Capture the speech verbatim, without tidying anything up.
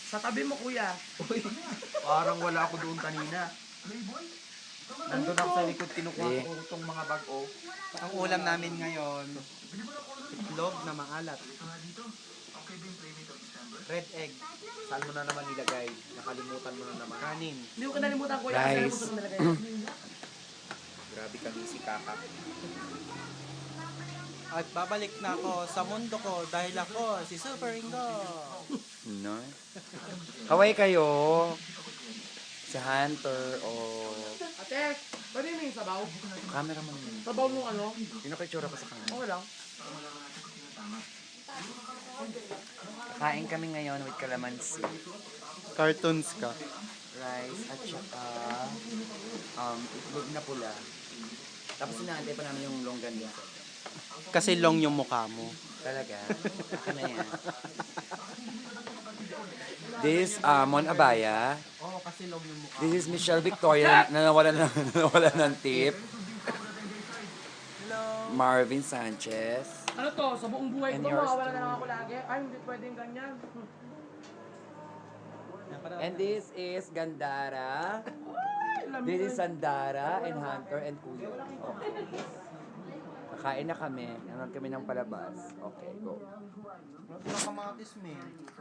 Sa tabi mo, kuya. Uy, parang wala ako doon kanina. Nandun ako sa likod, kinukuha Eh. ko itong mga bag-o. Ang ulam namin ngayon, itlog na maalat. Red egg, Saan mo na naman nilagay? Nakalimutan mo na naman. kanin. Hindi ko kinalimutan, kuya. Rice. Kasi nalimutan ko nilagay. Grabe kami si Kaka. At babalik na ako sa mundo ko dahil ako si Super Ringo. No? Kaway kayo. Si Hunter o Ate, pwede mo yung sabaw? camera mo naman. Sabaw nung ano? Pinapicture ko sa kanya. Okay lang. Kain kami ngayon with calamansi, Cartoons ka. rice, at saka um, itlog na pula. Tapos inaantay pa namin yung longganisa. Kasi long yung mukha mo. Talaga? Akin na yan. This is uh, Mon Abaya. Oo, kasi long yung mukha. This is Michelle Victoria na nawala ng, nawala ng tip. Marvin Sanchez. Ano to? Sa buong buhay And ko, yours makawala na too. lang ako lagi. Ay, hindi pwedeng ganyan. And this is Gandara. This is Sandara and Hunter and Kuya. Okay. Kakain na kami. Nanon kami ng palabas. Okay, go. Wala kamatis, man.